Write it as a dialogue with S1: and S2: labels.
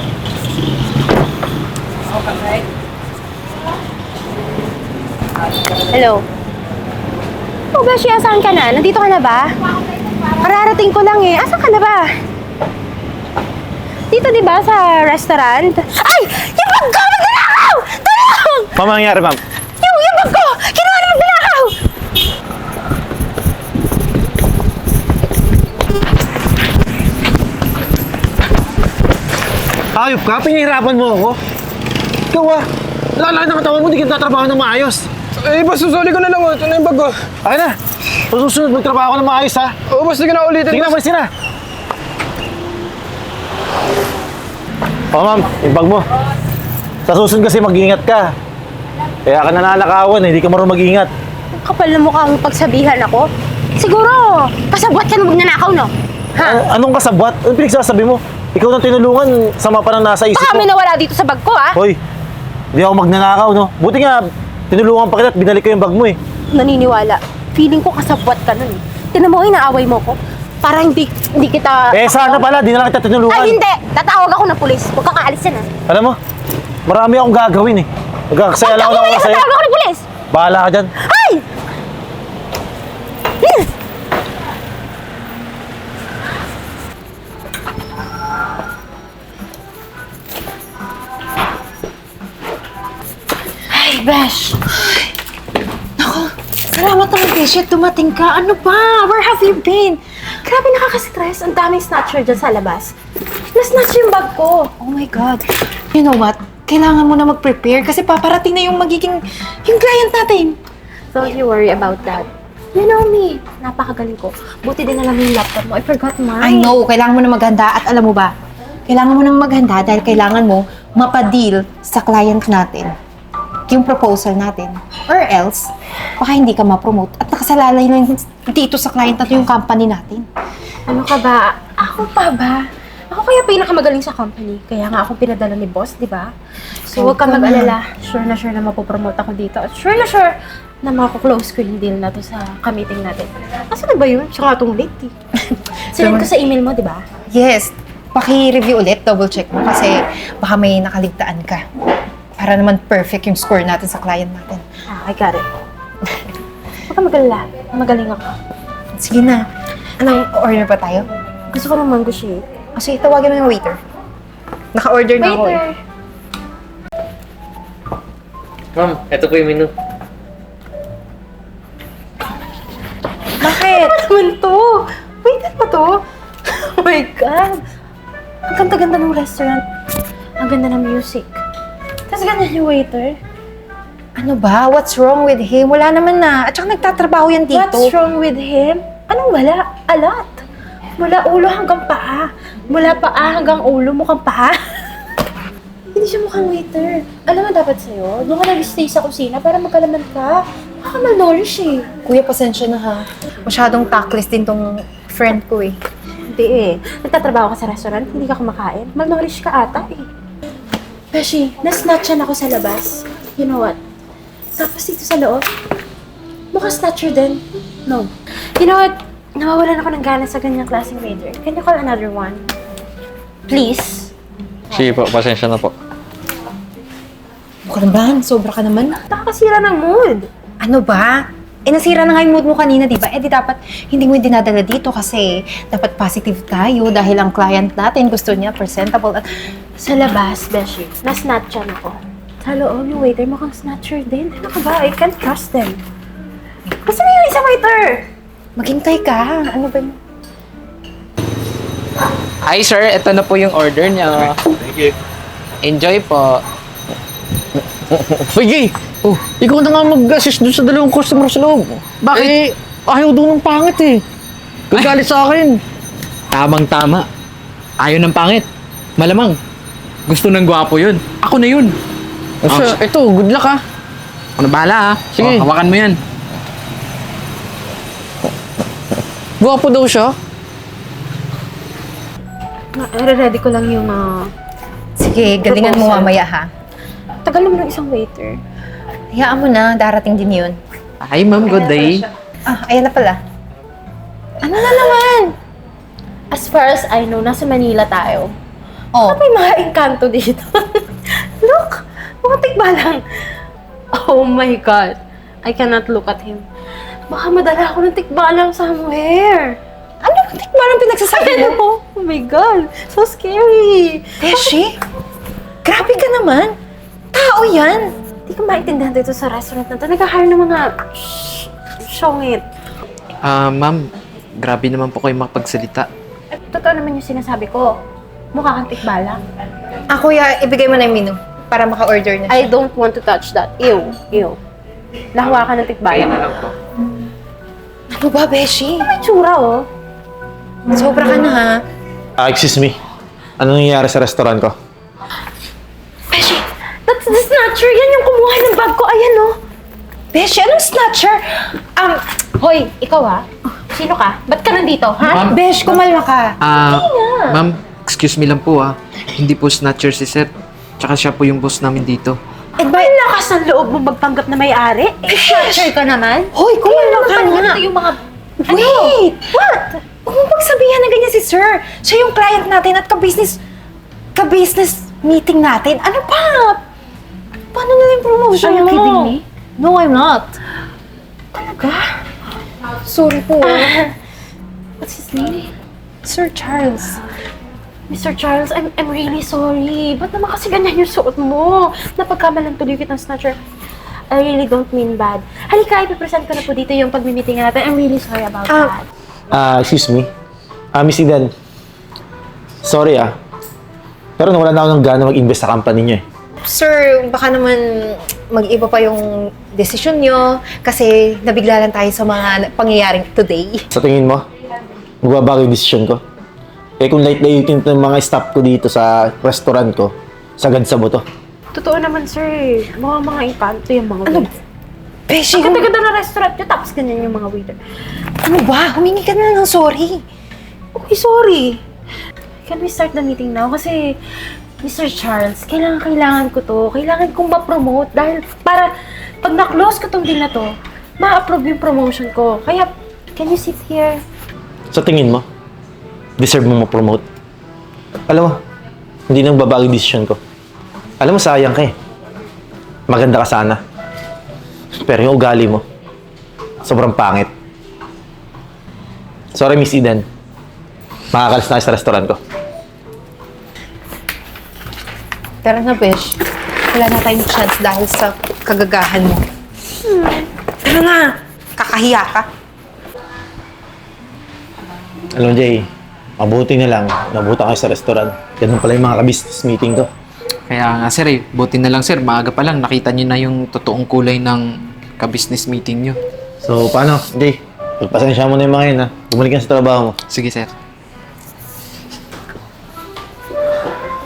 S1: Hello? Oh, Beshi, asan ka na? Nandito ka na ba? Kararating ko lang eh. Asan ka na ba? Dito, di ba, sa restaurant? Ay! Yung bag ko! Magnanakaw! Tulong!
S2: Ma'am, ang nangyari, ma'am?
S1: Yung bag ko! Kinuha na magnanakaw!
S2: Ayop ka? Pinahirapan mo ako? Ikaw lalaki ng katawan mo, hindi kita trabaho ng maayos.
S3: Eh, boss, susuli ko na lang. Ito na yung bag ko.
S2: Ay na! Susunod, magtrabaho ko ng maayos, ha?
S3: Oo, boss, sige na ulitin.
S2: Sige na,
S3: boss.
S2: malis na! Ma'am, yung bag mo. Sa susunod kasi mag-iingat ka. Kaya ka nananakawan, hindi ka marunong mag-iingat.
S1: Kapal na mukha mong pagsabihan ako. Siguro, kasabwat ka na magnanakaw, no? Ha?
S2: Anong kasabwat? Anong pinagsasabi mo? Ikaw nang tinulungan, sama pa nang nasa isip
S1: Baka
S2: mo.
S1: may nawala dito sa bag ko, ha?
S2: Hoy, hindi ako magnanakaw, no? Buti nga, tinulungan pa kita at binalik ko yung bag mo, eh.
S1: Naniniwala. Feeling ko kasabwat ka nun, eh. Tinan mo, inaaway mo ko. Para hindi kita...
S2: Eh, sana pala, di na lang kita tinulungan.
S1: Ay, hindi! Tatawag ako ng pulis. Huwag kang aalis yan, ha?
S2: Alam mo, marami akong gagawin, eh. Magkakasaya lang ako ng oras sa'yo.
S1: Tatawag ako ng pulis!
S2: Bahala ka dyan.
S1: Ay!
S4: Ay, Besh! Naku, salamat naman, Besh. Dumating ka. Ano ba? Where have you been?
S1: Grabe, nakaka-stress. Ang daming snatcher dyan sa labas. Na-snatch yung bag ko.
S4: Oh my God. You know what? Kailangan mo na mag-prepare kasi paparating na yung yung client natin.
S1: Don't you worry about that. You know me. Napakagaling ko. Buti din alam mo yung laptop mo. I forgot mine.
S4: I know, kailangan mo na maghanda at alam mo ba, kailangan mo nang maghanda dahil kailangan mo mapadeal sa client natin yung proposal natin. Or else, baka hindi ka ma-promote at nakasalalay lang dito sa client natin yung company natin.
S1: Ano ka ba? Ako pa ba? Ako kaya pinakamagaling sa company. Kaya nga ako pinadala ni boss, di ba? So, huwag ka mag-alala. Sure na mapopromote ako dito. At sure na mako-close ko yung deal na to sa ka-meeting natin. Asa na ba yun? Siya nga itong late eh. Sinend ko sa email mo, di ba?
S4: Yes, paki-review ulit, double check mo kasi baka may nakaligtaan ka. Para naman perfect yung score natin sa client natin.
S1: I got it. Huwag ka mag-alala. Magaling ako.
S4: Sige na. Anong order pa tayo?
S1: Gusto ko ng mango shake.
S4: Kasi tawagin mo yung waiter. Naka-order na ako eh.
S1: Waiter!
S5: Ma'am, eto po yung menu.
S4: Bakit?
S1: Ano naman to? Waiter pa to? Oh my God! Ang ganda-ganda ng restaurant. Ang ganda ng music. Tapos ganyan yung waiter.
S4: Ano ba? What's wrong with him? Wala naman na. At saka nagtatrabaho yan dito.
S1: What's wrong with him? Anong wala? A lot. Mula ulo hanggang paa. Mula paa hanggang ulo, mukhang paa. Hindi siya mukhang waiter. Alam mo dapat sa'yo, doon ka nag-stay sa kusina para magkalaman ka. Baka malnourish eh.
S4: Kuya, pasensya na ha. Masyadong tactless din tong friend ko eh.
S1: Hindi eh. Nagtatrabaho ka sa restaurant, hindi ka kumakain. Malnourish ka ata eh. Beshi, na-snatchan ako sa labas. You know what? Tapos dito sa loob, mukhang snatcher din. No. You know what? Nawawalan ako ng gana sa ganyang klaseng waiter. Can you call another one? Please?
S5: Sige po, pasensya na po.
S4: Baka naman, sobra ka naman.
S1: Nakakasira ng mood.
S4: Ano ba? Nasira na nga yung mood mo kanina, di ba? Di dapat hindi mo yung dinadala dito kasi dapat positive tayo dahil ang client natin gusto niya presentable at
S1: Sa labas, Beshi, na-snatchan ako. Sa loob, yung waiter mukhang snatcher din. Ano ka ba? I can't trust them. Kasi na yung isang waiter!
S4: maghintay ka. Ano ba yun?
S5: Hi sir, ito na po yung order niya.
S2: Thank you.
S5: Enjoy po.
S6: Uy, Gay! Oh, ikaw na nga mag-assist dun sa dalawang customer sa loob.
S5: Bakit?
S6: Ayaw doon ng pangit eh. Gagalit sa akin.
S5: Tamang-tama. Ayaw ng pangit. Malamang. Gusto ng gwapo yun. Ako na yun.
S6: Ito, good luck ha.
S5: Ano bahala ha?
S6: Sige.
S5: Oh, hawakan mo yan.
S6: Gwapo daw siya.
S1: Ready ko lang yung
S4: Sige, galingan mo
S1: Proposal.
S4: mamaya ha.
S1: tagal naman ng isang waiter.
S4: Hayaan mo na, darating din yun.
S5: Hi ma'am, good day.
S4: Ah, ayan na pala. Ano na naman?
S1: As far as I know, nasa Manila tayo.
S4: Oh,
S1: May mga engkanto dito. Look! Mga tikbalang. Oh my God. I cannot look at him. Baka madala ako ng tikbalang somewhere.
S4: ano ba tikman ang pinagsasabi mo?
S1: Oh my God. So scary.
S4: Beshi, grabe ka naman. Tao yan.
S1: Hindi ko maintindihan dito sa restaurant na to. Nag-hire ng mga syongit.
S5: Ma'am, grabe naman po kayo makapagsalita.
S1: Totoo naman yung sinasabi ko. Mukha kang tikbalang.
S4: Kuya, ibigay mo na yung menu para maka-order na siya.
S1: I don't want to touch that. Ew. Ew. Nahawa ka ng tikbalang.
S4: Ano ba, Beshi?
S1: May tsura, oh.
S4: Sobra ka na, ha?
S2: Excuse me. Ano nangyayari sa restaurant ko?
S1: Beshi, that's the snatcher. Yan yung kumuha ng bag ko. Ayan, oh.
S4: Beshi, anong snatcher?
S1: Hoy, ikaw ha? Sino ka? Ba't ka nandito, ha?
S5: Ma'am.
S4: Besh, kumalma ka.
S5: Ma'am, excuse me lang po Hindi po snatcher si Sir. Tsaka siya po yung boss namin dito.
S1: Eh, ba yung lakas ng loob mo magpanggap na may-ari? Eh, snatcher ka naman?
S4: Hoy, kumalma ka na.
S1: Ito yung mga...
S4: Wait! What? Huwag mo magsabihan na ganyan si Sir. Siya yung client natin at ka-business meeting natin. Ano pa? Paano na yung promotion?
S1: Are you
S4: mo?
S1: kidding me?
S4: No, I'm not. Talaga? Sorry po.
S1: What's his name?
S4: Sir Charles.
S1: Mr. Charles, I'm really sorry. Ba't naman kasi ganyan yung suot mo? Napagkamalan tuloy kitang snatcher. I really don't mean bad. Halika, ipipresent ko na po dito yung pagmi-meeting natin. I'm really sorry about that.
S2: Excuse me. Miss Eden. Sorry pero nawala na ako ng gana mag-invest sa company niyo eh.
S4: Sir, baka naman mag-iba pa yung desisyon nyo kasi nabigla lang tayo sa mga pangyayaring today.
S2: Sa tingin mo, magbabago yung decision ko? Kung light-lighting ng mga staff ko dito sa restaurant ko, sagad sa buto.
S1: Totoo naman, sir. Mga engkanto yung mga
S4: Ano?
S1: waiters.
S4: Beshi,
S1: Ang ganda-ganda na restaurant nyo, tapos ganyan yung mga waiter.
S4: ano ba? Humingi ka na ng sorry.
S1: Okay, sorry. Can we start the meeting now? Kasi, Mr. Charles, kailangan ko to. Kailangan kong ma-promote dahil para pag na-close ko tong deal na to, ma-approve yung promotion ko. Kaya, can you sit here?
S2: Sa tingin mo, deserve mo ma-promote? Alam mo, hindi nang babago yung decision ko. Alam mo, sayang ka eh. Maganda ka sana. Pero yung ugali mo, sobrang pangit. Sorry, Miss Eden. Makakalis na kayo sa restaurant ko.
S4: Tara na, Besh. Wala na tayong chance dahil sa kagagahan mo. Tara na! Kakahiya ka.
S2: Alam mo, Jay, mabuti na lang. Nabuta kayo sa restaurant. Ganun pala yung mga ka-business meeting ko.
S5: Kaya nga sir buti na lang sir, maaga pa lang nakita niyo na yung totoong kulay ng ka-business meeting niyo.
S2: So, paano, Jay? Pagpasensya mo na yung mga yun, ha? Bumalik ka sa trabaho mo.
S5: Sige sir.